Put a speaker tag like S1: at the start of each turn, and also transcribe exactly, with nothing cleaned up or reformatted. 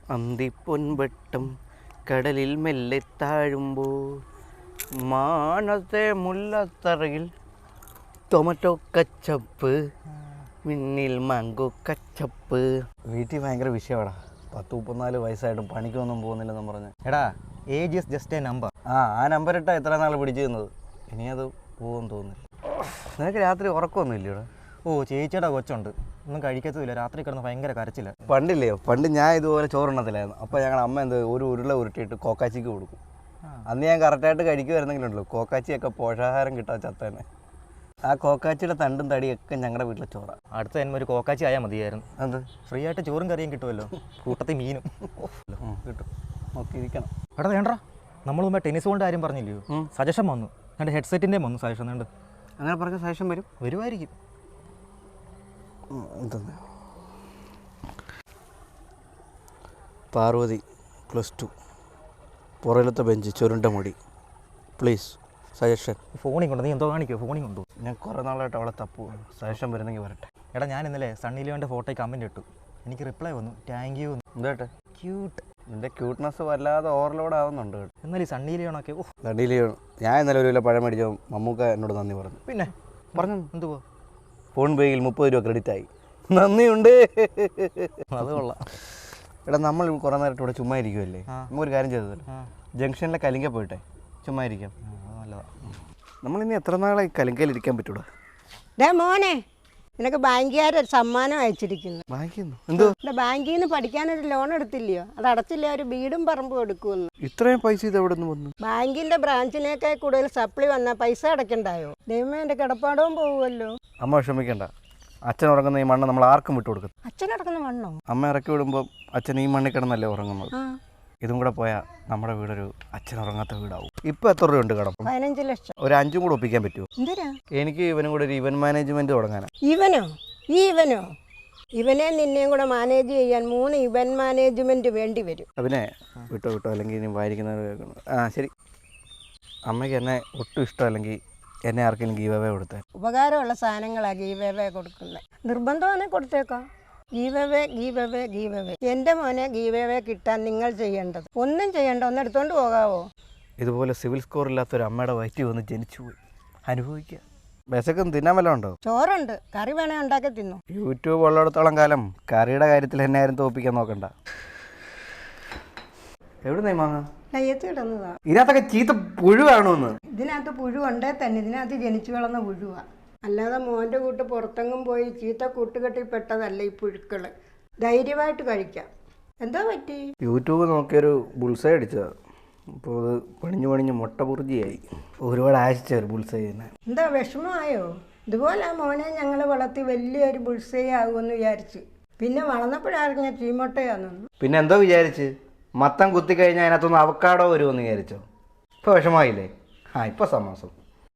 S1: അന്തിപ്പൊൻവെട്ടം കടലിൽ മെല്ലെ താഴുമ്പോൾ മാനത്തെ മുല്ലത്തറയിൽ ടൊമാറ്റോ കച്ചപ്പ് മിന്നിൽ മാങ്കോ കച്ചപ്പ്. വീട്ടിൽ ഭയങ്കര വിഷയമാടാ. പത്ത് മുപ്പത്തിനാല് വയസ്സായിട്ടും പണിക്കൊന്നും പോകുന്നില്ലെന്ന് പറഞ്ഞ്.
S2: എടാ age is just a number.
S1: ആ ആ നമ്പർ ഇട്ടാ എത്ര നാൾ പിടിച്ചു തന്നത്. ഇനി അത് പോകുമെന്ന് തോന്നുന്നില്ല. നിനക്ക് രാത്രി ഉറക്കമൊന്നും ഇല്ലയോടാ?
S2: ഓ ചേച്ചിയുടെ കൊച്ചുണ്ട്, ഒന്നും കഴിക്കത്തുമില്ല, രാത്രി കിടന്ന് ഭയങ്കര കരച്ചില്ല.
S1: പണ്ടില്ലയോ, പണ്ട് ഞാൻ ഇതുപോലെ ചോറുണ്ണത്തില്ലായിരുന്നു. അപ്പോൾ ഞങ്ങളുടെ അമ്മ എന്ത് ഒരു ഉരുള ഉരുട്ടിയിട്ട് കോക്കാച്ചിക്ക് കൊടുക്കും. അന്ന് ഞാൻ കറക്റ്റായിട്ട് കഴിക്കുമായിരുന്നെങ്കിലുണ്ടല്ലോ കോക്കാച്ചിയൊക്കെ പോഷകാഹാരം കിട്ടാൻ ചത്തന്നെ. ആ കോക്കാച്ചിയുടെ തണ്ടും തടിയൊക്കെ ഞങ്ങളുടെ വീട്ടിലെ ചോറാണ്.
S2: അടുത്ത തന്നെ ഒരു കോക്കാച്ചി ആയാൽ മതിയായിരുന്നു.
S1: അത്
S2: ഫ്രീ ആയിട്ട് ചോറും കറിയും കിട്ടുമല്ലോ, കൂട്ടത്തിൽ മീനും
S1: കിട്ടും. നോക്കിയിരിക്കണം.
S2: എടാ വേണ്ട, നമ്മൾ മുമ്പേ ടെന്നീസ് ബോളിൻ്റെ കാര്യം പറഞ്ഞില്ലയോ, സജഷൻ വന്നു. എൻ്റെ ഹെഡ്സെറ്റിൻ്റെയും വന്നു സജഷൻ. ഉണ്ട്
S1: അങ്ങനെ പറഞ്ഞ സജഷൻ വരും
S2: വരുമായിരിക്കും.
S1: എന്തെന്ന് പാർവതി പ്ലസ് ടു, പുറയിലത്തെ ബെഞ്ച്, ചുരുണ്ട മുടി, പ്ലീസ് സജഷൻ.
S2: ഫോണിൽ കൊണ്ടു, നീ എന്തോ കാണിക്കുമോ? ഫോണിൽ കൊണ്ടു.
S1: ഞാൻ കുറേ നാളായിട്ട് അവളെ തപ്പു. സജഷൻ വരുന്നെങ്കിൽ വരട്ടെ.
S2: എടാ ഞാൻ ഇന്നലെ സണ്ണി ലിയോൻ്റെ ഫോട്ടോയ്ക്ക് കമൻറ്റ് ഇട്ടു, എനിക്ക് റിപ്ലൈ വന്നു, താങ്ക് യു.
S1: എന്താട്ടെ
S2: ക്യൂട്ട്.
S1: നിൻ്റെ ക്യൂട്ട്നെസ് വല്ലാതെ ഓവർലോഡ് ആവുന്നുണ്ട്.
S2: എന്നാൽ ഈ സണ്ണി ലിയോണൊക്കെ ഓ
S1: സണ്ണി ലിയോൺ. ഞാൻ ഇന്നലെ ഒരു കിലോ പഴം മേടിച്ചോ മമ്മൂക്ക എന്നോട് നന്ദി പറഞ്ഞു.
S2: പിന്നെ
S1: പറഞ്ഞു
S2: എന്തുവാ,
S1: ഫോൺ പേയിൽ മുപ്പത് രൂപ ക്രെഡിറ്റ് ആയി. നന്ദിയുണ്ട്.
S2: അത് കൊള്ളാം.
S1: എടാ നമ്മൾ കുറേ നേരമായിട്ട് ഇവിടെ ചുമ്മാ ഇരിക്കുമല്ലേ, നമുക്കൊരു കാര്യം ചെയ്തതല്ലോ, ജംഗ്ഷനിലെ കലിങ്ക പോയിട്ടെ ചുമ്മാ ഇരിക്കാം.
S2: നല്ലതാണ്.
S1: നമ്മളിനി എത്ര നാളായി കലിങ്കയിലിരിക്കാൻ പറ്റൂടാ?
S3: ഡേ മോനെ, നിനക്ക് ബാങ്കുകാരൊരു സമ്മാനം അയച്ചിരിക്കുന്നു.
S1: വാങ്ങിക്കുന്നു എന്തോ?
S3: ബാങ്കിൽ നിന്ന് പഠിക്കാനൊരു ലോൺ എടുത്തില്ലയോ, അത് അടച്ചില്ല, ഒരു വീടും പറമ്പും എടുക്കുമെന്ന്.
S1: ഇത്രയും പൈസ ഇത് എവിടെ നിന്ന് വന്നു?
S3: ബാങ്കിന്റെ ബ്രാഞ്ചിനേക്കാൾ കൂടുതൽ സപ്ലി വന്നാൽ പൈസ അടയ്ക്കണ്ടായോ? ദൈവമേ, എൻ്റെ കിടപ്പാടവും പോകുമല്ലോ.
S1: അമ്മ വിഷമിക്കണ്ട, അച്ഛൻ ഉറങ്ങുന്ന ഈ മണ്ണ് നമ്മൾ ആർക്കും വിട്ടു കൊടുക്കും.
S3: അച്ഛൻ അടക്കുന്ന മണ്ണോ?
S1: അമ്മ ഇറക്കി വിടുമ്പോൾ അച്ഛൻ ഈ മണ്ണിൽ കിടന്നല്ലേ ഉറങ്ങുന്നത്. ഇതും കൂടെ പോയാൽ നമ്മുടെ വീടൊരു അച്ഛൻ ഉറങ്ങാത്ത വീടാവും. ഇപ്പം എത്ര രൂപ ഉണ്ട് കടം?
S3: പതിനഞ്ച് ലക്ഷം.
S1: ഒരു അഞ്ചും കൂടെ ഒപ്പിക്കാൻ പറ്റുമോ?
S3: എന്തിനാ?
S1: എനിക്ക് ഇവനും കൂടെ ഒരു ഇവന്റ് മാനേജ്മെന്റ് തുടങ്ങാനാ.
S3: ഇവനോ? ഈ ഇവനോ? ഇവനെ നിന്നെയും കൂടെ മാനേജ് ചെയ്യാൻ മൂന്ന് ഇവന്റ് മാനേജ്മെന്റ് വേണ്ടി വരും.
S1: അതിനെ വിട്ടോ വിട്ടോ, അല്ലെങ്കിൽ ഇനി വായിരിക്കുന്നത് കേൾക്കണം. ആ ശരി. അമ്മയ്ക്ക് എന്നെ ഒട്ടും ഇഷ്ടമല്ലെങ്കിൽ എന്നെ ആർക്കെങ്കിലും ഗീവ് അവേ കൊടുത്തേ.
S3: ഉപകാരമുള്ള സാധനങ്ങളാണ് ഗീവ് അവേ കൊടുക്കുന്നത്. നിർബന്ധമാണെങ്കിൽ കൊടുത്തേക്കാം. Give away give away give away. എൻ്റെ മോനെ ഗീവ് അവേ കിട്ടാൻ നിങ്ങൾ ചെയ്യേണ്ടത് ഒന്നും ചെയ്യേണ്ട, ഒന്ന് എടുത്തോണ്ട് പോകാവോ?
S1: ഇതുപോലെ സിവിൽ സ്കോർ ഇല്ലാത്തൊരു അമ്മയുടെ വയറ്റിൽ വന്ന് ജനിച്ചു പോയി, അനുഭവിക്കുക. വിശക്കും തിന്നാൻ വല്ലതും ഉണ്ടോ?
S3: ചോറുണ്ട്, കറി വേണേ ഉണ്ടാക്കി തിന്നു.
S1: യൂട്യൂബ് ഉള്ളിടത്തോളം കാലം കറിയുടെ കാര്യത്തിൽ എന്നെ ആരും തോപ്പിക്കാൻ നോക്കണ്ട. എവിടെ മാങ്ങ?
S3: കയ്യത്ത് കിടന്നതാ.
S1: ഇതിനകത്തൊക്കെ ചീത്ത പുഴു കാണുമെന്ന്.
S3: ഇതിനകത്ത് പുഴു ഉണ്ടേ തന്നെ, ഇതിനകത്ത് ജനിച്ചു വളർന്ന പുഴുവാ. അല്ലാതെ മോൻ്റെ കൂട്ട് പുറത്തെങ്ങും പോയി ചീത്ത കൂട്ടുകെട്ടി പെട്ടതല്ല ഈ പുഴുക്കള്. ധൈര്യമായിട്ട് കഴിക്കാം. എന്താ പറ്റി?
S1: യൂട്യൂബ് നോക്കിയൊരു ബുൾസൈ അടിച്ചതാ. അപ്പോൾ അത് പണിഞ്ഞു പണിഞ്ഞ് മുട്ട പുറിജിയായി. ഒരുപാട് ആശിച്ച ഒരു ബുൾസൈ തന്നെ.
S3: എന്താ വിഷമമായോ? ഇതുപോലെ ആ മോനെ ഞങ്ങൾ വളർത്തി വലിയൊരു ബുൾസൈ ആകുമെന്ന് വിചാരിച്ചു. പിന്നെ വളർന്നപ്പോഴായിരുന്നു ചീമൊട്ടയാണെന്ന്.
S1: പിന്നെ എന്തോ വിചാരിച്ച്? മത്തം കുത്തിക്കഴിഞ്ഞാൽ അതിനകത്തൊന്ന് അവക്കാടോ വരുമെന്ന് വിചാരിച്ചോ? ഇപ്പോൾ വിഷമമായില്ലേ? ആ ഇപ്പോൾ സമാസം.